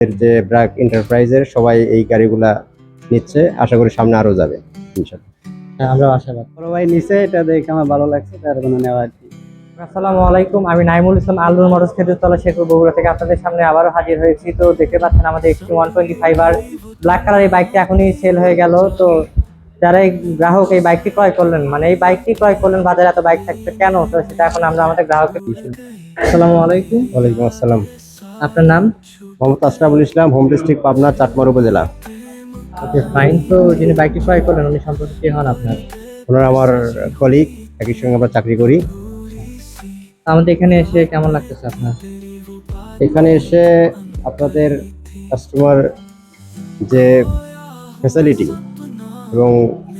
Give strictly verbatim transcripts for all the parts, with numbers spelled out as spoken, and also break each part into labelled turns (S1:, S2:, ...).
S1: এর যে ব্র্যাক এন্টারপ্রাইজের সবাই এই গাড়িগুলা নিচ্ছে, আশা করি সামনে আরো যাবে ইনশাআল্লাহ।
S2: হ্যাঁ, আমরা আশাবাদ।
S3: বড় ভাই নিচে, এটা দেখে আমার ভালো লাগছে, তার জন্য নেওয়া আর কি।
S2: আসসালামু আলাইকুম, আমি নাইমুল ইসলাম, আলনুর মোটরস খেজুরতলা শেরপুর বগুড়া থেকে আপনাদের সামনে আবারও হাজির হয়েছি। তো দেখতে পাচ্ছেন আমাদের এক্সট্রিম ওয়ান টোয়েন্টি ফাইভ আর ব্ল্যাক কালার এই বাইকটি এখনই সেল হয়ে গেল। তো যারা এই গ্রাহক এই বাইকটি ক্রয় করলেন, মানে এই বাইকটি ক্রয় করলেন, বাজারে এত বাইক থাকছে কেন, তো সেটা এখন আমরা আমাদের গ্রাহককে দিচ্ছি। আসসালামু আলাইকুম।
S1: ওয়ালাইকুম আসসালাম।
S2: আপনার নাম?
S1: মোহাম্মদ আশরাফুল ইসলাম, হোম ডিস্ট্রিক্ট পাবনা, চাটমার উপজেলা।
S2: Okay, fine. তো যিনি বাইকটি ক্রয় করলেন উনি সম্পর্কে কি হন আপনার?
S1: ওনারা আমার কলিগ, একই সঙ্গে আমরা চাকরি করি।
S2: আমাদের এখানে এসে কেমন লাগতেছে আপনার?
S1: এখানে এসে আপনাদের কাস্টমার যে ফ্যাসিলিটি এবং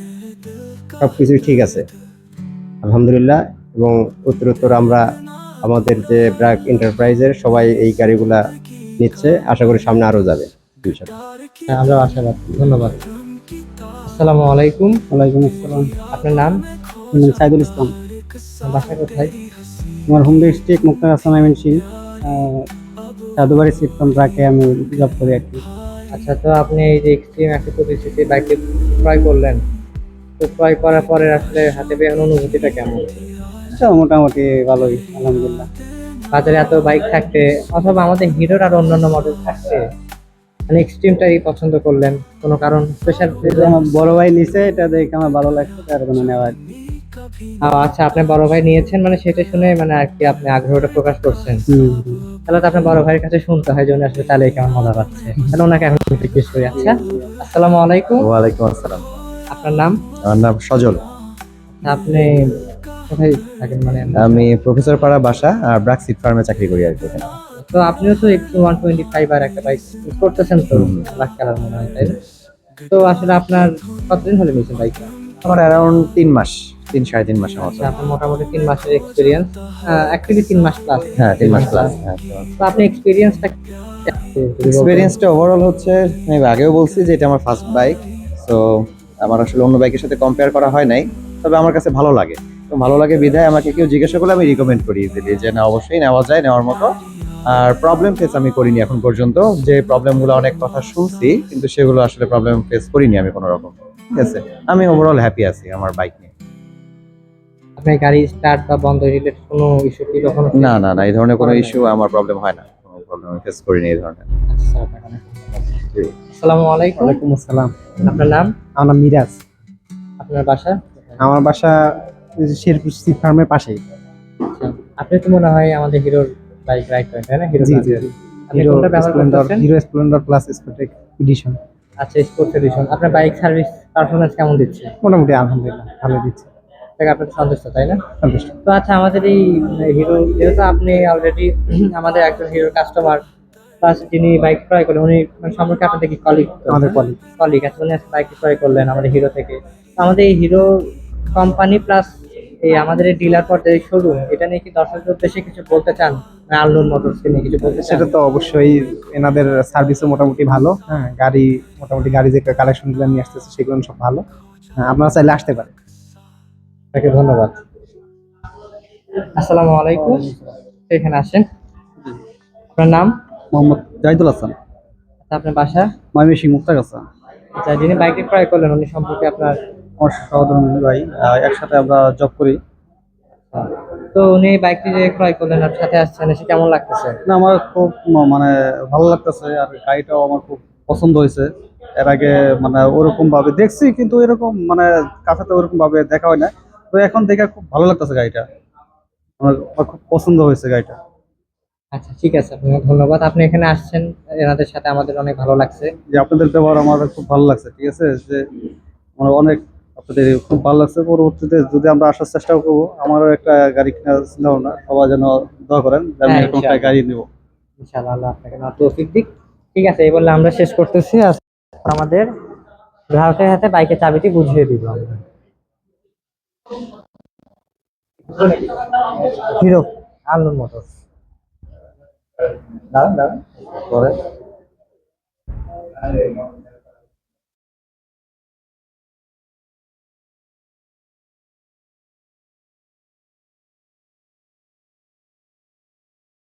S1: সব কিছুই ঠিক আছে আলহামদুলিল্লাহ। এবং উত্তরোত্তর আমরা আমাদের যে ব্র্যাক এন্টারপ্রাইজের সবাই এই গাড়িগুলা নিচ্ছে, আশা করি সামনে আরো যাবে ইনশাআল্লাহ।
S2: হ্যাঁ, আমরা আশাবাদ। ধন্যবাদ। আসসালামু আলাইকুম।
S3: ওয়ালাইকুম আসসালাম।
S2: আপনার নাম?
S3: আমি সাইদুল ইসলাম।
S2: বাসা কোথায়?
S3: আমার home district Muktar Aslam MNC, Sadhubari সিটকম ট্রাকে আমি জব করি আর কি।
S2: আচ্ছা, তো আপনি এই যে এক্সট্রিম একশো পঁচিশ সিসি বাইকটি ক্রয় করলেন, তো ক্রয় করার পরে আসলে হাতে পেয়ে অনুভূতিটা কেমন?
S3: আচ্ছা, মোটামুটি ভালোই আলহামদুলিল্লাহ।
S2: বাজারে এত বাইক থাকতে অথবা আমাদের হিরোর আর অন্যান্য মডেল থাকতে মানে এক্সট্রিমটাই পছন্দ করলেন, কোনো কারণ স্পেশাল?
S3: আমার বড় ভাই নিচে, এটা দেখে আমার ভালো লাগছে, তার জন্য নেওয়া আর কি।
S2: আচ্ছা, আপনার বড় ভাই নিয়েছেন মানে সেটা শুনে মানে আর কি আপনি আগ্রহটা প্রকাশ করছেন।
S3: হুম, হুম।
S2: তাহলে তো আপনার বড় ভাইয়ের কাছে শুনতে হয় যে উনি আসলে চালে কেমন মজা পাচ্ছে। তাহলে ওনাকে এখন জিজ্ঞেস করি। আচ্ছা, আসসালামু আলাইকুম।
S1: ওয়ালাইকুম আসসালাম।
S2: আপনার নাম?
S1: আমার নাম সজল।
S2: আপনি কোথায় থাকেন? মানে
S1: আমি প্রফেসর পাড়া বাসা, আর ব্র্যাক সিট ফার্মে চাকরি করি আর কি।
S2: তো আপনিও তো একটু ওয়ান টোয়েন্টি ফাইভ আর একটা বাইক করতেছেন, তো ব্ল্যাক কালার মনে হয়, তাই না? তো আসলে আপনার কতদিন হলে নিয়েছেন বাইকটা?
S1: আমার অ্যারাউন্ড তিন মাস, তিন সাড়ে তিন মাসের মতো।
S2: আচ্ছা, আপনার মোটামুটি তিন মাসের এক্সপিরিয়েন্স, অ্যাকচুয়ালি তিন মাস প্লাস।
S1: হ্যাঁ, তিন মাস প্লাস। হ্যাঁ,
S2: তো আপনি এক্সপিরিয়েন্সটা
S1: এক্সপিরিয়েন্সটা ওভারঅল হচ্ছে, আমি আগেও বলছি যে এটা আমার ফার্স্ট বাইক। সো আমার আসলে অন্য বাইকের সাথে কম্পেয়ার করা হয় নাই, তবে আমার কাছে ভালো লাগে। তো ভালো লাগে বিধায় আমাকে কেউ জিজ্ঞাসা করলে আমি রিকমেন্ড করি ইজিলি যে না, অবশ্যই নেওয়া যায়, নেওয়ার মতো। আর প্রবলেম ফেস আমি করিনি এখন পর্যন্ত। যে প্রবলেমগুলো অনেক কথা শুনছি, কিন্তু সেগুলো আসলে প্রবলেম ফেস করিনি আমি কোনো রকম। ঠিক আছে, আমি ওভারঅল হ্যাপি আছি আমার বাইক নিয়ে।
S2: আপনার গাড়ি স্টার্ট বা বন্ধ রিলেটেড কোনো ইস্যু কি কখনো?
S1: না না না, এই ধরনের কোনো ইস্যু আমার প্রবলেম হয় না, কোনো প্রবলেম আমি ফেস করিনি এই ধরনের।
S2: আচ্ছা, আপনাকে অনেক ধন্যবাদ। আসসালামু আলাইকুম।
S3: ওয়ালাইকুম আসসালাম।
S2: আপনার নাম?
S3: আমার নাম মিরাজ।
S2: আপনার বাসা?
S3: আমার বাসা শেরপুর সিট ফার্মের পাশেই।
S2: আচ্ছা, আপনি তো মনে হয় আমাদের হিরোর বাইক রাইড করেন, তাই না? হিরো
S3: জি জি।
S2: আপনি
S3: হিরো
S2: কোনটা ব্যবহার
S3: স্প্লেন্ডার,
S2: করতেছেন?
S3: হিরো স্প্লেন্ডার প্লাস স্পোর্টেক এডিশন।
S2: আচ্ছা, স্পোর্টস এডিশন। আপনার বাইক সার্ভিস পারফরমেন্স কেমন দিচ্ছে?
S3: মোটামুটি আলহামদুলিল্লাহ ভালো দিচ্ছে।
S2: থেকে আপনি তো সন্তুষ্ট, তাই না?
S3: সন্তুষ্ট।
S2: তো আচ্ছা, আমাদের এই হিরো, যেহেতু আপনি অলরেডি আমাদের একজন হিরোর কাস্টমার, প্লাস যিনি বাইক ক্রয় করলেন উনি মানে সম্পর্কে আপনাদের কি কলিগ?
S3: আমাদের কলিগ।
S2: কলিগ আছে, উনি বাইক ক্রয় করলেন আমাদের হিরো থেকে। তো আমাদের এই হিরো কোম্পানি প্লাস এই আমাদের এই ডিলার পর্যায়ে শোরুম, এটা নিয়ে কি দর্শকদের উদ্দেশ্যে কিছু বলতে চান? মানে আলনুর মোটরসকে নিয়ে কিছু বলতে চান?
S3: সেটা তো অবশ্যই, এনাদের সার্ভিসও মোটামুটি ভালো। হ্যাঁ, গাড়ি মোটামুটি গাড়ি যে কালেকশনগুলো নিয়ে আসতেছে সেগুলো সব ভালো। হ্যাঁ, আপনারা চাইলে আসতে পারেন।
S2: আপনাকে ধন্যবাদ। আসসালামু আলাইকুম। এখানে আসেন। আপনার নাম?
S3: মোহাম্মদ জাহিদুল হাসান,
S2: আচ্ছা, আপনার বাসা?
S3: ময়মনসিংহ মুক্তাগাছা।
S2: আচ্ছা, যিনি বাইকটি ক্রয় করলেন উনি সম্পর্কে আপনার?
S3: আমার সহধর্মী ভাই, আহ, একসাথে আমরা জব করি।
S2: তো উনি বাইকটি যে ক্রয় করলেন আর সাথে আসছেন, এসে কেমন লাগতেছে?
S3: না, আমার খুব ম- মানে ভালো লাগতেছে, আর গাড়িটাও আমার খুব পছন্দ হয়েছে। এর আগে মানে ওরকম ভাবে দেখছি, কিন্তু এরকম মানে কাছাতে ওরকম ভাবে দেখা হয় না। তো এখন দেখে খুব ভালো লাগতেছে গাড়িটা, আমার আমার খুব পছন্দ হয়েছে গাড়িটা।
S2: আচ্ছা, ঠিক আছে, আপনাকে ধন্যবাদ। আপনি এখানে আসছেন, এনাদের সাথে আমাদের অনেক ভালো লাগছে।
S3: যে আপনাদের ব্যবহার আমার খুব ভালো লাগছে। ঠিক আছে, যে আমার অনেক আপনাদের খুব ভালো লাগছে। পরবর্তীতে যদি আমরা আসার চেষ্টা করবো, আমারও একটা গাড়ি কেনার চিন্তা ভাবনা। সবাই যেন দোয়া করেন যে আমি
S2: হ্যাঁ,
S3: এরকম একটা
S2: ইনশাআল্লাহ।
S3: গাড়ি নেবো।
S2: ইনশাআল্লাহ, আল্লাহ আপনাকে না তৌফিক দিক। ঠিক আছে, এই বলে আমরা শেষ করতেছি। আর আমাদের গ্রাহকের হাতে বাইকের চাবিটি বুঝিয়ে দিব আমরা। Hero Alnur motors. দাঁড়ান দাঁড়ান পরে